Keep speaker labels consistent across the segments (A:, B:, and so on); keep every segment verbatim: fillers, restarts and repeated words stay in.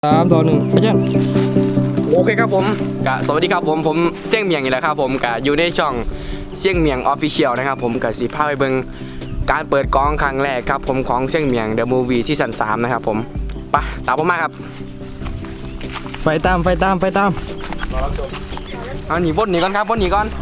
A: สามต่อหนึ่งอาจารย์
B: โอเคครับผมกะสวัสดีครับผมผมเสี่ยงเมียงอีกแล้วครับผมกะอยู่ในช่องเสี่ยงเมียงออฟฟิเชียลนะครับผมกะสีพาไปเบิ่งการเปิดกองครั้งแรกครับผมของเสี่ยงเมียงเดอะมูฟวี่ซีซั่นสามนะครับผมไปตามผมมาครับ
A: ไฟตามไฟตามไฟตาม
B: เอาหนีบนหนีก่อนครับบนหนีก่อน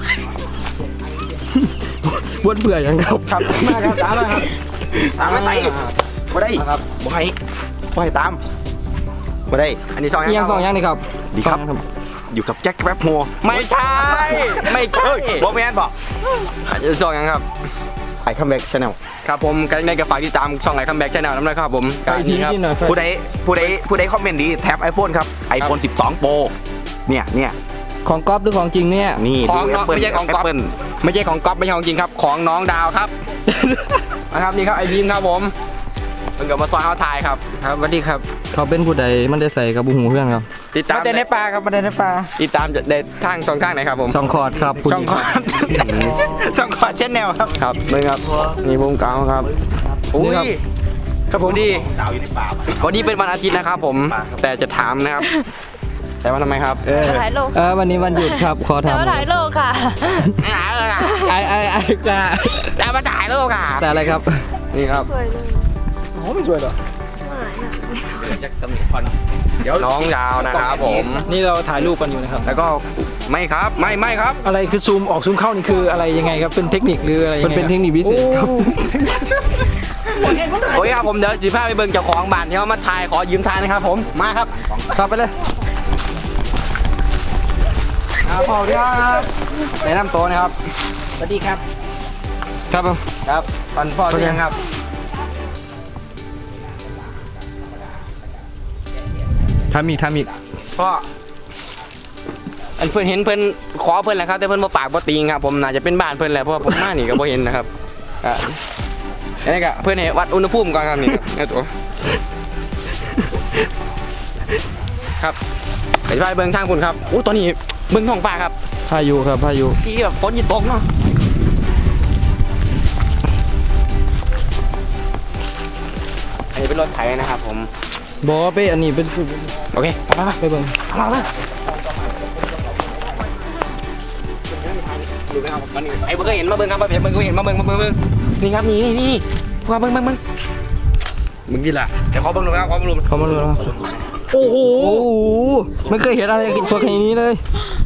A: วนเบื่ออย่างครับ
B: ครับมาครับตามมาครับตามมาไต่บ่ได้ครับบ่ให้บ่ให้ตามบ่ได้อันนี้สอง
A: ยังสองยังนี่ครับ
B: ดีครับอยู่กับแจ็คแป๊บโฮไม่ใช่ไม่ใช่บอแมนบอกสองยังครับไอคัมแบ็กชาแนลครับผมกันในกระฝากที่ตามช่องไอคัมแบ็กชาแนลนั่นเลยครับผม
A: ไฟทีนี่หน่อย
C: ผู้ใดผู้ใดผู้ใดคอมเมนต์ดีแท็บ iPhone ครับ iPhone สิบสอง Pro เนี่ยเนี่ย
A: ของก๊อฟหรือของจริงเนี่ย
C: นี่
B: ของน้องไม่ใช่ของก๊อฟ
C: Apple
B: ไม่ใช่ของก๊อฟไม่ใช่ของจริงครับของน้องดาวครับ นะครับนี่ครับไอบีมครับผมมันกับมาซอยเขาทายครับ
A: ครับสวัสดีครับเขาเป็นผู้ใดมันได้ใส่กับบุหูเพื่อนครับ
B: ติดตาม
C: มาเต้นในป่าครับมาเต้นในป่า
B: ติดตามจะได้ทางช่องทางไหนครับผม
A: สองคอร์ดครับผู้
C: ช่อง
A: หญิ
C: คอร์ดช่องคอร์ดเช่นแนวครับ
B: ครับนี่ครับนี่วงเก่าครับอุ้ยครับผมดี
C: ดาวอยู่ในป่า
B: วันนี้เป็นวันอาทิตย์นะครับผมแต่จะถามนะครับ แต่ว่าทำไมครับ
C: เออ
D: ถ่ายโลก
A: เออวันนี้วันหยุดครับขอ
D: แต่
A: ทำ
D: ว่าถ่ายโลกค่ะ
B: ไม่หาเลยอ่ะ
A: ไอไอไอกา
B: แต่มาจ่ายแล้วค่ะ
A: แต่อะไรครับ
B: นี่ครับ
D: สวยเลย
A: โอ้ไม่ช่วยหรอ
D: เหมือนอะ
C: แจ็คสมิธพอนะเดี๋ยว
B: น้องดาวนะครับผม
A: นี่เราถ่ายรูปกันอยู่นะครับ
B: แล้วก็ไม่ครับไม่ไม่ครับ
E: อะไรคือซูมออกซูมเข้านี่คืออะไรยังไงครับเป็นเทคนิคหรืออะไรยัง
A: มัน
E: ไง
A: เป็นเทคนิคพิเศษครับ
B: โอเคครับผมเดี๋ยวจีพาไปเบิ่งเจ้าของบ้านที่เขามาถ่ายขอยืมถ่ายนะครับผมมาครับ
A: ครับไปเลย
B: ครับพ่อครับแนะนำตัวนะครับ
C: สวัสดีครับ
A: ครับผม
B: ครับตอนพ่อชื่อยังครับ
A: ทำอีกทำอีก
B: พ่ออันเพื่อนเห็นเพื่อนขอเพื่อนแหละครับแต่เพื่อนมาปากบ่ติงครับผมน่าจะเป็นบ้านเพื่อนแหละเพราะว่าผมมานี่ก็บ่เห็นนะครับอ่ะอันนี้ก็เพื่อนเห็นวัดอุณหภูมิก่อนครับนี่ครับนี่ตัวครับไปไปเบิ่งทางคุณครับอู้ตอนนี้เบิ่งท้องฟ้าครับ
A: พายุครับพายุ
B: ที่แบบฝนยิ่ตกเนาะอันนี้เป็นรถไถนะครับผม
A: บอกว่าไปอันนี้เป็น
B: โอเคไปไปไป
A: ไปเบิ่ง
B: มามาดูนะครับมันนี่ไอ้เบิ่งก็เห็นมาเบิ่งครับมาเห็นเบิ่งก็เห็นมาเบิ่งมาเบิ่งเบิ่งนี่ครับนี่นี่นี่พวกเบิ่งเบิ่งเบิ่งเบิ่งดีละเดี๋ยวขอเบิ่งดูครับขอเบิ่งดู
A: เขามาดูแล้วครับ
B: โอ้โห
A: โอ้โหไม่เคยเห็นอะไรสวยขนาดนี้เลย